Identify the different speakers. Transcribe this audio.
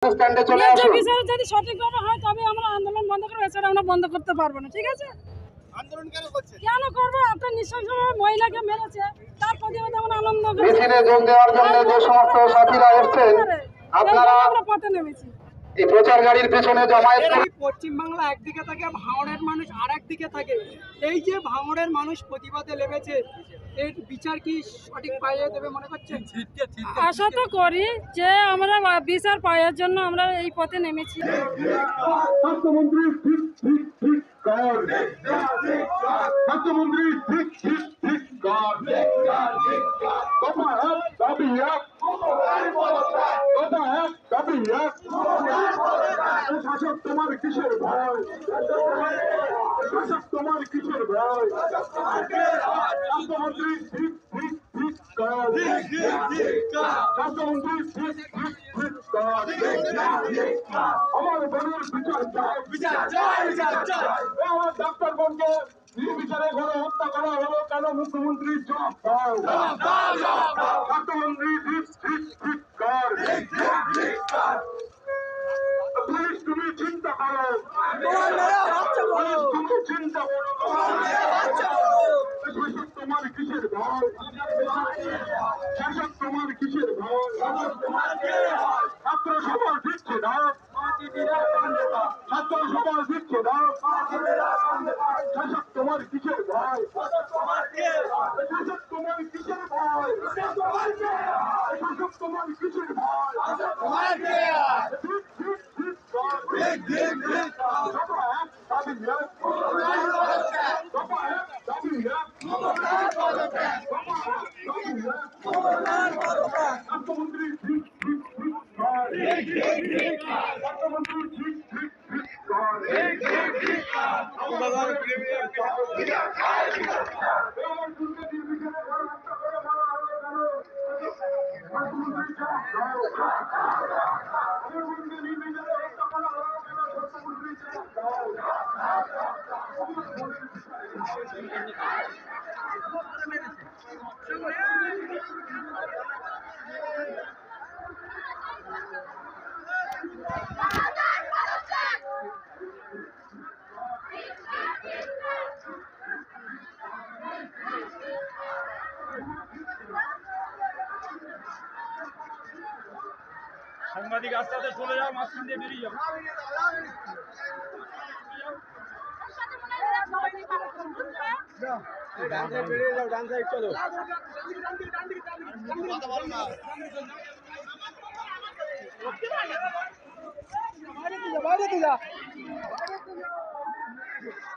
Speaker 1: স্ট্যান্ডে চলে আসুন।
Speaker 2: বিচার যদি সঠিকভাবে হয় তবে আমরা আন্দোলন বন্ধ করবো, এছাড়া আমরা বন্ধ করতে পারবো না। ঠিক আছে,
Speaker 3: আন্দোলন কেন করছে?
Speaker 2: কেন করবো? একটা নৃশংসভাবে মহিলাকে মেরেছে, তার প্রতিবাদে আমরা আনন্দ করছি।
Speaker 1: মিছিলে যোগ দেওয়ার জন্য যে সমস্ত সাথীরা এসেছেন, আপনারা
Speaker 2: আমরা পথে নেমেছি।
Speaker 1: এই প্রচার গাড়ির পেছনে জমায়েত
Speaker 4: এই পশ্চিমবাংলা একদিকে থাকে, ভাঙড়ের মানুষ আর একদিকে থাকে। এই যে ভাঙড়ের মানুষ প্রতিবাদে লেগেছে, এর বিচার কি সঠিক পাইয়ে দেবে মনে করছেন?
Speaker 2: আশা তো করি যে আমরা বিচার পাওয়ার জন্য আমরা এই পথে নেমেছি।
Speaker 1: স্বাস্থ্যমন্ত্রী ঠিক ঠিক ঠিক কর, স্বাস্থ্যমন্ত্রী ঠিক ঠিক ঠিক কর, দফা এক দাবি এক, দফা এক দাবি এক। শাসক তোমার কিসের ভয়, শাসক তোমার কিসের ভয়, স্বাস্থ্যমন্ত্রী ঠিক ঠিক ঠিক কর, স্বাস্থ্যমন্ত্রী ঠিক ঠিক ঠিক কর। আমার বোনের বিচার চাই,
Speaker 3: বিচার চাই, বিচার চাই।
Speaker 1: আমার ডাক্তার বোনকে নির্বিচারে ঘরে হত্যা করা হলো কেন? মুখ্যমন্ত্রী জবাব দাও, স্বাস্থ্যমন্ত্রী ঠিক ঠিক ঠিক কর। পুলিশ তুমি চিন্তা করো, পুলিশ তুমি চিন্তা করো, শাসক তোমার কিসের ভয়, শাসক তোমার কিসের ভয়, ছাত্র সমাজ দিচ্ছে না, ছাত্র সমাজ দিচ্ছে না, শাসক তোমার কিসের ভয়, শাসক তোমার কিসের ভয়, শাসক তোমার কিসের ভয়। ঠিক ঠিক ঠিক কর, দফা এক দাবি এক, দফা এক দাবি এক, দফা এক দাবি এক। স্বাস্থ্যমন্ত্রী ঠিক ঠিক ঠিক কর, স্বাস্থ্যমন্ত্রী ঠিক ঠিক ঠিক কর। আমার দুর্গে নির্বিচারে ঘরে হত্যা করে মারা হলো কেন? স্বাস্থ্যমন্ত্রী জবাব দাও, আমার দুর্গে নির্বিচারে হত্যা করা হলো কেন? স্বাস্থ্যমন্ত্রী জবাব
Speaker 5: সাংবাদিক আস্তে আস্তে চলে যাও, মাঝখান দিয়ে বেরিয়ে যাও।
Speaker 3: বেরিয়ে যাও, ডান সাইড চলো।
Speaker 4: বাইরে দিয়ে যা, বাইরে দিয়ে যা।